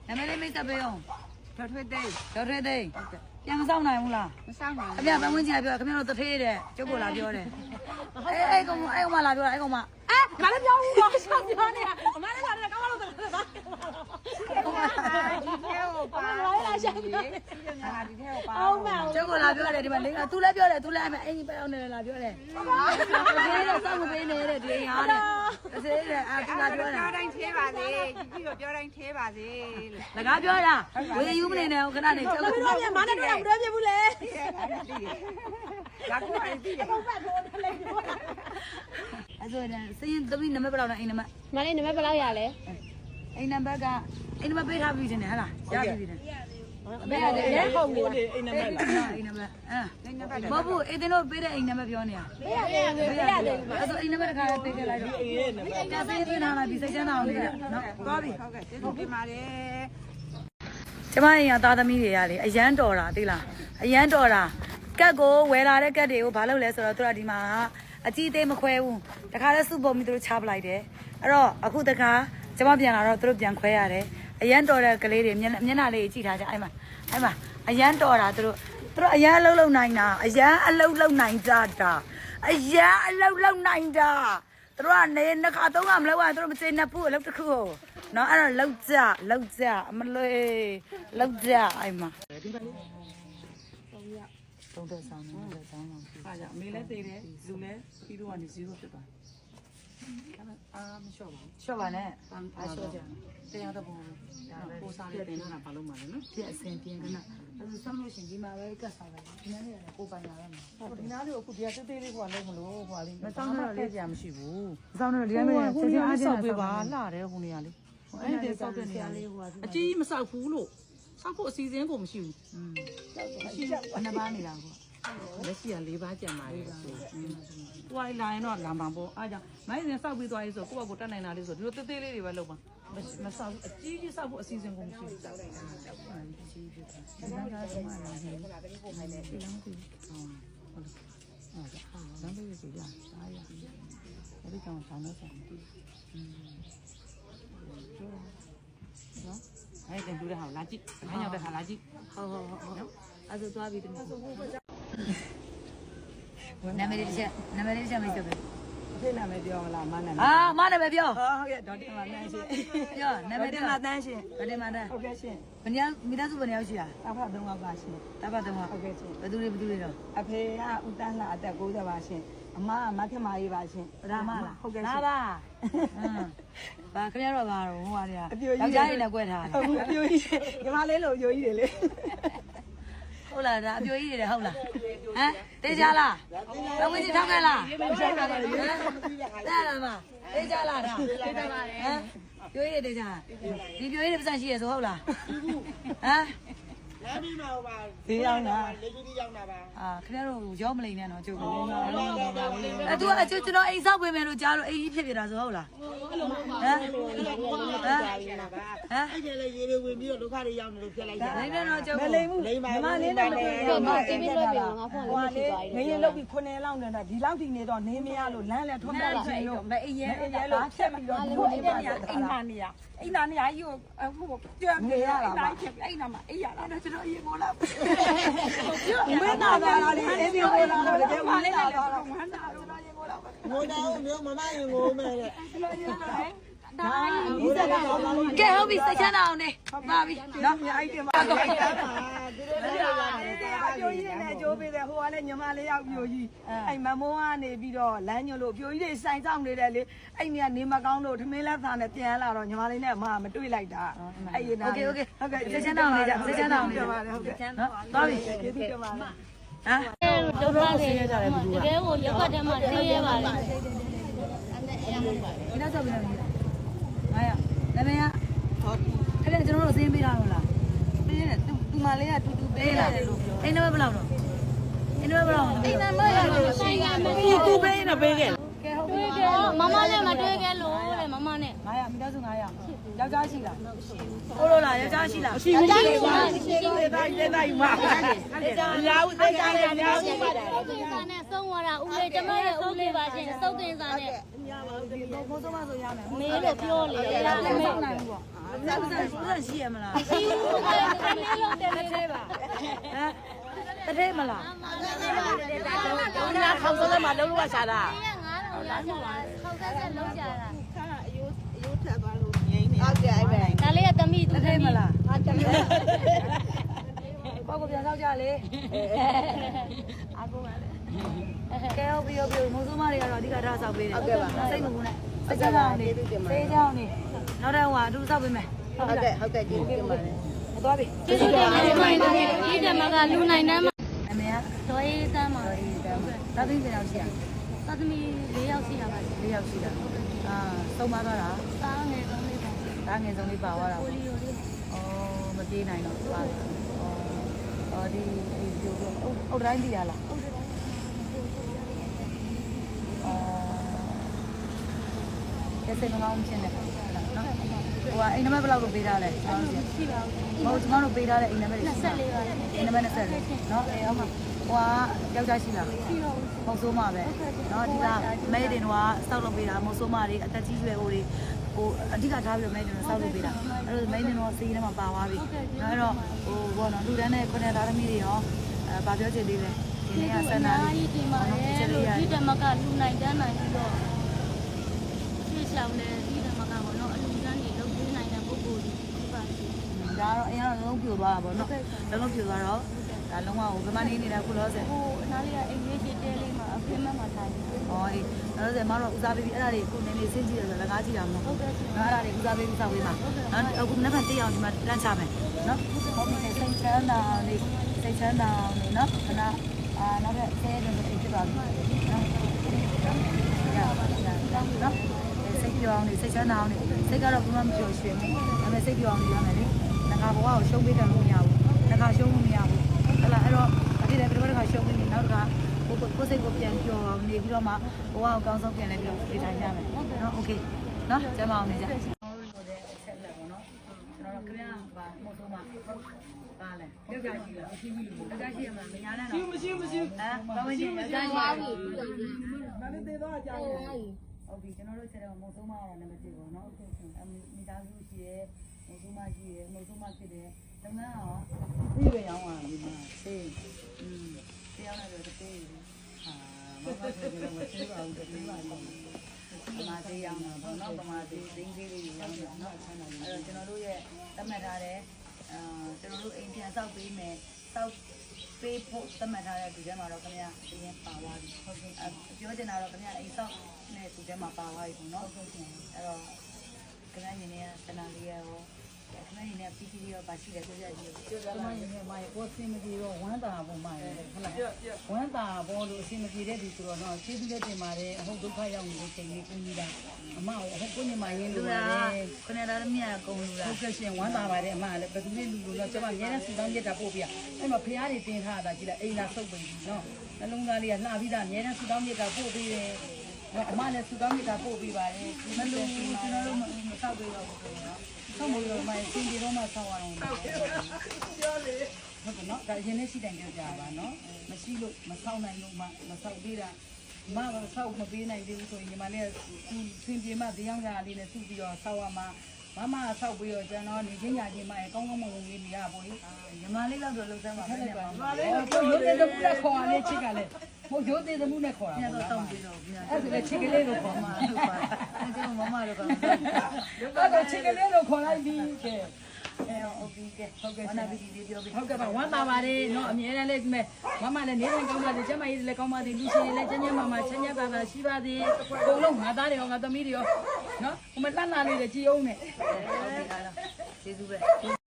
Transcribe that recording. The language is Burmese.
နာမည်လေးမိတ်ဆက်ပေးအောင်ဒေါ်ထွေးသိန်းဒေါ်ထွေးသိန်းပြန်မဆောင်နိုင်ဘူးလားမဆောင်ပါခဘူးမရပန်းဝင်ကြီးပြောခမရတို့တထေးတဲ့ကျုပ်ကလာပြောတယ်အဲ့ကောင်မလာပြောတာအဲ့ကောင်မငါလည်းပြောဘူးတော့ရှောက်ပြောနေတာအမလည်းကလည်းကောင်းလို့တော့ပါဒီထဲကိုပါလာရှာပြောနေတာဒီထဲကိုပါအောင်ပါကျုပ်ကလာပြောတယ်ဒီမှာလေးကသူလည်းပြောတယ်သူလည်းအဲ့အိမ်ပဲအောင်နေလာပြောတယ်တထေးတော့စောင့်မပေးနေတဲ့ဒီဟာတဲ့တထေးတဲ့သူလာပြောတာပြောတိုင်းသေးပါစေကြီးတော့ပြောတိုင်းသေးပါစေလို့လကားပြောတာဝေယူမနေနဲ့ခဏနေကျုပ်ကတို့ပြန်မနဲ့တော့မတွဲပြဘူးလေလာကူအိမ်ပြီးတယ်ဟုတ်ပါတော့လည်းပြောတာအဲ့ဆိုရင်စရင်သမီးနံပါတ်ဘယ်လောက်လဲအိမ်နံပါတ်မလေးနံပါတ်ဘယ်လောက်ရလဲအိမ်နံပါတ်ကအိမ်နံပါတ်ပေးထားပြီးတင်တယ်ဟလားရပြီတယ်ပေးရတယ်လေဟုတ်ပြီအိမ်နံပါတ်အိမ်နံပါတ်မဟုတ်ဘူးအိမ်တို့ပေးတဲ့အိမ်နံပါတ်ပြောနေတာပေးရတယ်ပေးရတယ်အဲ့ဆိုအိမ်နံပါတ်တစ်ခါပေးခဲ့လိုက်တော့ကြာစင်းသွင်းထားလိုက်ပြီးစိတ်ချမ်းသာအောင်လေးနော်သွားပြီဟုတ်ကဲ့ကျေးဇူးတင်ပါတယ်ကျမအိမ်ကသားသမီးတွေကလေအရန်တော်တာသိလားအရန်တော်တာကက်ကိုဝယ်လာတဲ့ကက်တွေကိုဘာလုပ်လဲဆိုတော့သူတို့ဒီမှာအကြီးသေးမခွဲဘူးတခါလဲစုပုံပြီးသူတို့ချပလိုက်တယ်အဲ့တော့အခုတခါကျမပြန်လာတော့သူတို့ပြန်ခွဲရတယ်အရန်တော်တဲ့ကလေးတွေမျက်နှာလေးကြည့်ထားကြအဲ့မှာအရန်တော်တာသူတို့အရန်အလုပ်လုပ်နိုင်တာအရန်အလုပ်လုပ်နိုင်ကြတာအရန်အလုပ်လုပ်နိုင်တာသူတို့ကနေနှစ်ခါသုံးခါမလုပ်ရသူတို့မကျေနပ်ဘူးအလုပ်တစ်ခုကိုနော်အဲ့တော့လောက်ကြအမလေးလောက်ကြအဲ့မှာသုံးတဲ့ဆောင်နဲ့ဆောင်းအောင်ပြီအားကြောင့်အမေလည်းသိတယ်လူလည်းပြီးတော့ကနေ0ဖြစ်သွားအာမလျှော့ပါဘူးရှော့ပါနဲ့တန်းအားလျှော့ကြတရားတော့ဘူးပိုးစားလေးတင်တာဘာလို့မှလဲနော်ပြည့်အစင်ပြင်းခဏအဲ့ဒါဆောင်းလို့ရှင်ဒီမှာပဲကတ်ဆောင်လိုက်ဒီနေ့လည်းကိုပိုင်လာရမယ်ဒီနားလေးကိုအခုတရားသေးသေးလေးကလုံးမလို့ဟိုလေးမတောင်းတော့လေးကြာမရှိဘူးဆောင်းတော့ဒီတိုင်းပဲချက်ချင်းအားချင်းဆောက်ပေးပါလှတယ်ဟိုနေရာလေးအဲ့ဒီဆောက်တဲ့နေရာလေးအကြီးမဆောက်ဘူးလို့ဆောက်ဖို့အစီအစဉ်ကိုမရှိဘူးဘယ်နှပါနေလားကိုလက်ရှိက4ပါးကြံပါလေဆိုဟိုလာရင်တော့လာမှာပေါ့အားကြောင့်မိုင်းစဉ်ဆောက်ပြီးသွားရေးဆိုကိုယ့်ဘက်ကိုတတ်နိုင်တာလေးဆိုဒီလိုသေးသေးလေးတွေပဲလုပ်ပါမဆောက်အကြီးကြီးဆောက်ဖို့အစီအစဉ်ကိုမရှိဘူးဆောက်လိုက်တာကြီးဖြစ်တယ်ဒါကလည်းမလာဘူးဟုတ်တယ်ဟုတ်တယ်လမ်းလေးဆိုရစားရအဲ့ဒီကောင်ဆောင်းနေတယ်နော်အဲ့ဒါတူတဲ့ဟာလာကြည့်ခဏရောက်တဲ့ဟာလာကြည့်ဟုတ်အဲ့ဒါသွားပြီတမီးနာမည်လေးချက်မိတ်ဆက်ပဲအဖေနာမည်ပြောမလားမနာမည်အာမနာမည်ပြောဟုတ်ကဲ့ဒေါက်တာမတန်းရှင်ပြောနာမည်ဒေါက်တာမတန်းရှင်ဗတယ်မတန်းဟုတ်ကဲ့ရှင်ဘယ်နှစ်မိသားစုဘယ်နှစ်ယောက်ရှိလားအဖ3ယောက်ပါရှင်တပတ်တော့ဟုတ်ကဲ့ရှင်ဘယ်သူတွေတော့အဖေကဦးတန်းလာအသက်60ပါရှင်အမကမခင်မာရေးပါရှင်ပဒါမလားဟုတ်ကဲ့လာရှင်ပါဘာခင်ဗျားတော့ဘာတော့ဟိုဟာတွေကအပြိုကြီးယောက်ျားတွေနဲ့ကွဲထားတယ်ဟုတ်အပြိုကြီးညီမလေးလို့အပြိုကြီးတွေလေဟုတ်လားဒါအပြိုကြီးတွေဟုတ်လားဟမ်တေးကြလားဘယ်ဝင်ကြီးထောက်ခဲ့လားတဲ့လားမတေးကြလားဒါတေးကြပါလေဟမ်ပြိုကြီးတွေတေးကြဒီပြိုကြီးတွေပတ်စံရှိရဆိုဟုတ်လားဟမ်ဈေးရောက်တာအာခင်ဗျားတို့ရောမလိမ့်နဲ့တော့ကျုပ်ကအဲ့သူကကျွန်တော်အိမ်ဆောက်ပေးမယ်လို့ကြားလို့အိမ်ကြီးဖြစ်ပြတာဆိုဟုတ်လားဟမ်အဲ့ဒါလေရေတွေဝင်ပြီးတော့ဒုက္ခတွေရောက်နေလို့ဖြစ်လိုက်တာလိမ့်နဲ့တော့ကျုပ်မလိမ့်ဘူးညီမလေးနဲ့မတွေ့တော့မတီးပြီးလွှတ်ပြီးငါဖုန်းဟိုလေးလေဖြစ်သွားပြီငရင်လောက်ပြီး9လောက်နေတာဒီလောက်ထိနေတော့နေမရလို့လမ်းလည်းထွန်းပေါက်ချင်လို့မအေးရဲရဲလို့ဖြတ်ပြီးတော့ဒီလိုအိမ်နေရအိမ်နာနေရအိမ်နာနေရကြီးကိုအခုကြွနေရတာပါအိမ်နာမှာအိမ်ရတာကျွန်တော်ရေပေါ်လာမင်းနာတာလေအိမ်ပေါ်လာတော့တကယ်မလေးနဲ့တော့ဝမ်းတာလို့ရေပေါ်လာပါငိုတော့မျိုးမမရင်ငိုမယ်တဲ့ဒါဒီစက်တော့ကဲဟုတ်ပြီစိတ်ချမ်းသာအောင်နေပါပြီနော်အိုက်တင်ပါတော့သူတို့လည်းရတယ်အပြိုကြီးနဲ့ကြိုးပေးတယ်ဟိုကလည်းညီမလေးရောက်ပြိုကြီးအဲ့မမိုးကနေပြီးတော့လမ်းညွလို့ပြိုကြီးတွေဆိုင်ဆောင်နေတယ်လေအဲ့နေကနေမကောင်းလို့ထမင်းလက်သားနဲ့ပြန်လာတော့ညီမလေးနဲ့မတွေ့လိုက်တာအဲ့ရနာโอเคဟုတ်ကဲ့စိတ်ချမ်းသာအောင်နေကြစိတ်ချမ်းသာအောင်နေကြဟုတ်ကဲ့နော်သွားပြီကျေးဇူးတင်ပါတယ်ဟမ်ဒုက္ခတွေတကယ်ကိုရက်ွက်ထဲမှာသိရပါလေဒီနောက်ဆက်ပြီးတော့နေဟာရနာမည်ကအဲ့ဒါကျွန်တော်တို့စင်းပေးတာလို့လားပြီးရင်သူမလေးကတူတူပေးလာတယ်လို့ပြောအိမ်နံပါတ်ဘယ်လောက်တော့အိမ်နံပါတ်ဘယ်လောက်အိမ်မမရလို့ဆိုင်ကမပြေသူပေးနေပေးခဲ့ကဲဟုတ်ပြီတွေ့ခဲ့မမနဲ့မတွေ့ခဲ့လို့တဲ့မမနဲ့ 900မိသားစု900ယောက်ျားရှိလားဟုတ်လို့လားယောက်ျားရှိလားရှိမရှိပါဘူးတိုင်းတိုင်းမှာလာဦးတိုင်းတိုင်းလာဦးစုပ်တင်စာနဲ့ဆုံးသွားတာဦးလေးကျမရဲ့ဦးလေးပါရှင်စုပ်တင်စာနဲ့ဘုံဆုံးမဆိုရမယ်မေးလို့ပြောလေအဲ့ဒါလည်းမဆောင်နိုင်ဘူးပေါ့ဦးရှိရမလားဒီဦးကလည်းလုံးတယ်နေပါဟမ်တထဲမလား我家扛着的嘛，都落下了。 9000လောက်ရတာခေါက်ဆက်လုံးကြတာ好的，哎呗。 ဒါလေးကသမီးတသူထဲမလား啊，真的。 ပေါ့ကိုပြန်တော့ကြလေအာကိုပါလေကဲဟုတ်ပြီမိုးစိုးမတွေကတော့အဓိကထားဆောက်ပေးတယ်စိတ်မကူနဲ့စိတ်ချမ်းနေစေးချောင်းနေနောက်တော့ဟိုအတူဆောက်ပေးမယ်好的，好的，今天嘛。 သွားပြီကျေးဇူးတင်ပါတယ်မိုင်းတို့ဒီတမကလူနိုင်တန်းမှာအမေကဒေါ်ရေးတန်းမှာသာသမီပြန်ရောက်ရှိရသသမီ4ယောက်ရှိရပါတယ်၄ယောက်ရှိတာအာသုံးပါသွားတာသားငယ်ဆုံးလေးပါဒါငယ်ဆုံးလေးပါသွားတာကိုလီယိုလေးဩမပြေးနိုင်တော့ပါဩဒီအုတ်တိုင်းတည်ရလားကဲစိတ်မကောင်းဖြစ်နေနော်ဟိုကအိမ်နံပါတ်ဘယ်လောက်ကိုပေးထားလဲကျွန်တော်ရှိပါဘူးမဟုတ်ကျွန်တော်တို့ပေးထားတဲ့အိမ်နံပါတ်တွေ 24ပါလေအိမ်နံပါတ်24နော်အေးဟုတ်မှာဟိုကယောက်ျားရှိလားရှိတော့ဘူးမဟုတ်ဆိုးမပဲနော်ဒီကမဲတင်တော့စောက်လုပ်ပေးတာမဟုတ်ဆိုးမတွေအသက်ကြီးရွယ်ဟိုတွေဟိုအဓိကထားပြီးတော့မဲတင်တော့စောက်လုပ်ပေးတာအဲ့လိုမဲတင်တော့စီးထဲမှာပါသွားပြီနော်အဲ့တော့ဟိုဘောနော်လူတန်းနဲ့ခုနှစ်သားသမီးတွေရောဗာပြောချင်သေးတယ်ဒီနေ့ကဆန္ဒလေးကြီးတင်ပါတယ်လို့ဒီတမကလူနိုင်တန်းနိုင်ပြီးတော့ရှေ့ဆောင်တယ်ဒီတမကပေါ့နော်အလူတန်းတွေလုပ်ပေးနိုင်တဲ့ပုဂ္ဂိုလ်တွေဒီပါစီဒါတော့အရင်ကလုံးပြိုသွားတာပေါ့နော်လုံးပြိုသွားတော့ဒါလုံးဝဟိုဗမာနေနေတာခုလောဆယ်ဟိုအနားလေးကအိမ်လေးရှိတဲလေးမှာအဖေမမထိုင်တယ်ဟောအေးလောဆယ်မတော့ဦးစားပေးပြီးအဲ့ဒါတွေခုနေနေစင်းကြည့်ရဆိုလကားကြည့်တာမဟုတ်ဟုတ်ကဲ့နော်အဲ့ဒါတွေဦးစားပေးပြီးစောက်ပေးပါနော်အခုနှစ်ဖက်တေးအောင်ဒီမှာလန့်ချမယ်နော်ဟုတ်ပြီစိတ်ချမ်းသာနေစိတ်ချမ်းသာနေနော်ခဏနောက်ထပ်ဆဲတယ်ဆိုဖြစ်သွားပြီနော်နော်စိတ်ပြောင်းနေစိတ်ချမ်းသာအောင်နေစိတ်ကတော့ဘယ်မှမပြောရွှေဘူးဒါပေမဲ့စိတ်ပြောင်းနေရမယ်လေငါဘဝကိုရှုံးပေးတယ်လို့မရဘူးငါရှုံးလို့မရဘူးဟုတ်လားအဲ့တော့ဒီလည်းပြတော့ခါရှုံးပြီးနောက်တစ်ခါကိုစိတ်ကိုပြန်ပြောင်းနေပြီးတော့မှဘဝကိုကောင်းဆုံးပြန်လဲပြီးတော့ပြေးထိုင်ရမယ်နော်โอเคနော်ကျမအောင်နေကြကျွန်တော်တို့လည်းအချက်လက်ပေါ့နော်ကျွန်တော်တို့ခင်ဗျားပါမို့ဆုံးမှာပါလဲယောက်ျားရှိလားမရှိဘူးလို့ယောက်ျားရှိရမှာမညာနဲ့တော့မရှိဟမ်ဘာဝင်ကြီးယောက်ျားရှိပါဘူးမလေးသေးတော့ကြာတယ်ဟုတ်ပြီကျွန်တော်တို့ချက်တော့မို့ဆုံးမှာတော့နံပါတ်1ပေါ့နော်မိသားစုရှိရဲမို့ဆုံးမရှိရဲမို့ဆုံးမဖြစ်တယ်တမန်ရောပြီးရအောင်ပါဒီမှာသိတရားနဲ့တော့သိဟာမမဆိုတော့မရှိပါဘူးတည်းပါလို့ပမာသေးရအောင်ပါတော့ပမာသေးသိင်းသေးလေးရောင်းတော့เนาะအဲ့တော့ကျွန်တော်တို့ရဲ့သတ်မှတ်ထားတဲ့ကျွန်တော်တို့အိမ်ပြန်ဆောက်ပေးမယ်ဆောက်ပေးဖို့သတ်မှတ်ထားတဲ့ဒီထဲမှာတော့ခင်ဗျာအရင်ပါသွားပြီဟုတ်ကဲ့ပြောချင်တာတော့ခင်ဗျာအိမ်ဆောက်နဲ့ဒီထဲမှာပါသွားပြီပေါ့เนาะဟုတ်ကဲ့အဲ့တော့ခင်ဗျာညီနေကတနာလေးရောခင်ဗျာညီနေပီတီရောပါရှိတယ်ပြောပြကြည့်ပြောပြပါညီနေမှာကိုစင်မကြီးတော့ဝမ်းတာပုံမှန်တယ်ဟုတ်လားဝမ်းတာပေါ်လို့အစင်မကြီးတဲ့ဒီဆိုတော့တော့ကျေးဇူးလက်တင်ပါတယ်အဟုတ်ဒုက္ခရောက်နေတဲ့ချိန်လေးကိုကြီးတာအမအဟုတ်ကိုညီမရင်းလို့ပါတယ်ခဏသားမြတ်ကုံလူလားဟုတ်ကဲ့ရှင်ဝမ်းတာပါတယ်အမလည်းဘယ်သူလေးလူလို့တော့ကျွန်မရဲနဲ့စူတောင်းရက်တာပို့ပြအဲ့မှာဖះတွေတင်ထားတာကြည့်လိုက်အိမ်လာဆုပ်ပြီနော်နှလုံးသားလေးကလှပြီးသားရဲနဲ့စူတောင်းရက်တာပို့ပြီးတယ်အမလည်းစူတောင်းရက်တာပို့ပြီးပါတယ်မလို့ကျွန်တော်တို့မဆောက်ပြီးတော့ဘူးနော်ဆောက်မို့လို့မှစင်ဒီတော့မှဆောက်အောင်ပြောလေဟုတ်ကဲ့နော်ဒါရင်နဲ့ရှိတိုင်ကြကြပါနော်မရှိလို့မဆောက်နိုင်လို့မှမဆောက်သေးတာမကဆောက်မပေးနိုင်သေးဘူးဆိုရင်ညီမလေးကစင်ပြေမှတရားကြလေးနဲ့စုပြီးတော့ဆောက်ရမှာမဆောက်ပြီးတော့ကျွန်တော်နေချင်းညာချင်းမရဲ့ကောင်းကောင်းမွန်မွန်လေးနေရပါ့ညီမလေးတော့လုံးစမ်းပါမယ်ညီမလေးရိုးသေးတဲ့မှုနဲ့ခေါ်ရလေးချစ်ကလည်းမဟုတ်ရိုးသေးတဲ့မှုနဲ့ခေါ်တာပေါ့လားအဲ့ဒါလည်းချစ်ကလေးလို့ခေါ်မှာလို့ပါအဲ့ဒီမမတို့ကအဲ့ဒါချစ်ကလေးလို့ခေါ်လိုက်ပြီးကဲဟုတ်ပြီကဲဟုတ်ကဲ့နာပြီးဒီပြောပြီးဟုတ်ကဲ့ပါဝမ်းသာပါတယ်เนาะအမြဲတမ်းလေးဒီမဲ့မမလည်းနေတိုင်းကောင်းပါစေကျမကြီးလည်းကောင်းပါစေလူရှင်လည်းကျန်းကျန်းမာမာချမ်းချမ်းသာသာရှိပါစေအကုန်လုံးငါသားတွေရောငါသမီးတွေရောเนาะဟိုမလှလှလေးတွေကြည်အောင်နဲ့ဟုတ်ပြီအားလုံးကျေးဇူးပဲ